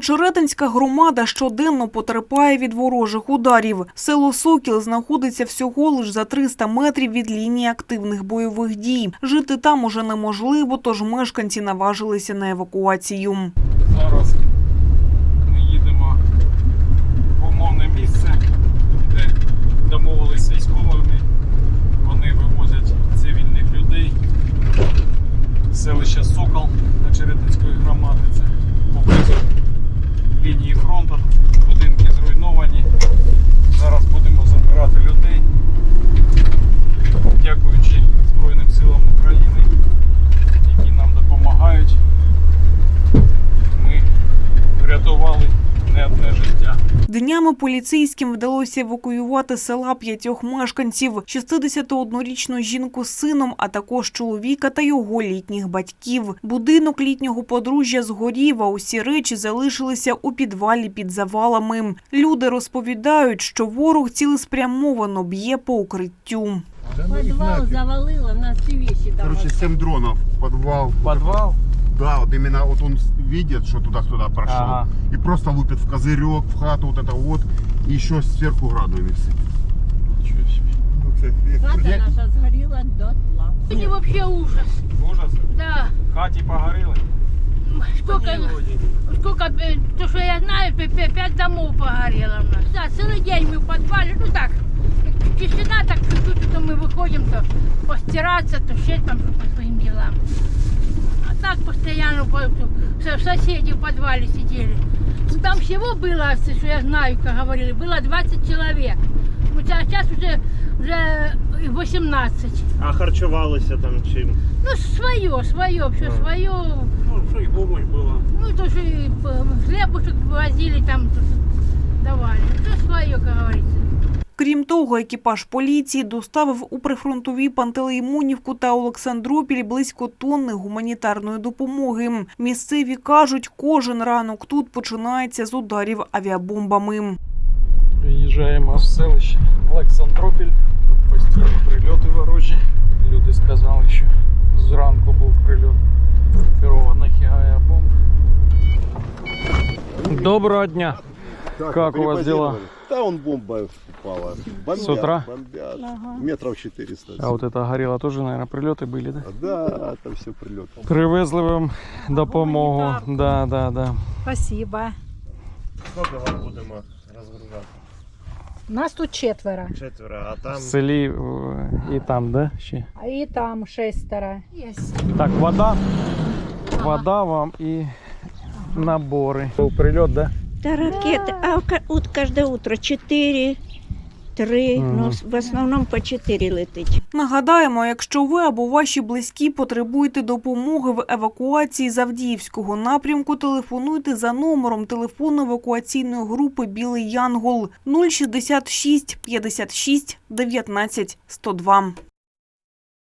Очеретинська громада щоденно потерпає від ворожих ударів. Село Сокіл знаходиться всього лиш за 300 метрів від лінії активних бойових дій. Жити там уже неможливо, тож мешканці наважилися на евакуацію. Зараз ми їдемо в умовне місце, де домовилися з військовими. Вони вивозять цивільних людей. Селище Сокіл Очеретинської громади. Це поблизу лінії фронту, будинки зруйновані. Зараз будемо забирати людей. Дякуючи Збройним силам України, які нам допомагають, ми врятували не одне життя. Днями поліцейським вдалося евакуювати з села 5 мешканців, 61-річну жінку з сином, а також чоловіка та його літніх батьків. Будинок літнього подружжя згорів, а усі речі залишилися у підвалі під завалами. Люди розповідають, що ворог цілеспрямовано б'є по укриттю. Подвал завалило, у нас все вещи давали. Короче, 7 дронов, подвал. Подвал? Да, вот именно вот он видит, что туда-сюда прошел. Ага. И просто лупит в козырек, в хату вот это вот. И еще сверху градами сыпет. Хата наша сгорела дотла. Сегодня вообще ужас. Ужас? Да. В хаті погоріли? Сколько, то, что я знаю, 5 домов погорело у нас. Да, целый день мы в подвале, ну так, тишина, так чуть-чуть, то мы выходим, то постираться, то ще там по своим делам. А так постоянно соседи в подвале сидели. Там всего было, что я знаю, как говорили, было 20 человек. А сейчас уже 18. А харчувалися там чим? Ну, свое, все свое. Ну, що і помощь була. Ну, то, что и хлебушек возили, там давали. Все свое, как говорится. Крім того, екіпаж поліції доставив у прифронтові Пантелеймонівку та Олександропіль близько тонни гуманітарної допомоги. Місцеві кажуть, кожен ранок тут починається з ударів авіабомбами. Приїжджаємо в селище Олександропіль. Тут постійні прильоти ворожі. Люди сказали, що зранку був прильот керованих авіабомб. Доброго дня! Как у вас дела? Да, он бомба упала. Бомбят, С утра? бомбят. Метров 400. А вот это горело тоже, наверное, прилеты были, да? Да, там все прилеты. Привезли вам допомогу. Да. Спасибо. Скільки вам будемо розгружати? Нас тут 4. 4, а там... В селі і там, да? Ще? А и там 6. Так, вода вам і набори. Був прильот, да? Да, ракеты. А вот каждое утро 4, 3, ну, в основном по 4 летить. Нагадаємо, якщо ви або ваші близькі потребуєте допомоги в евакуації з Авдіївського напрямку, телефонуйте за номером телефону евакуаційної групи «Білий Янгол» 066 56 19 102.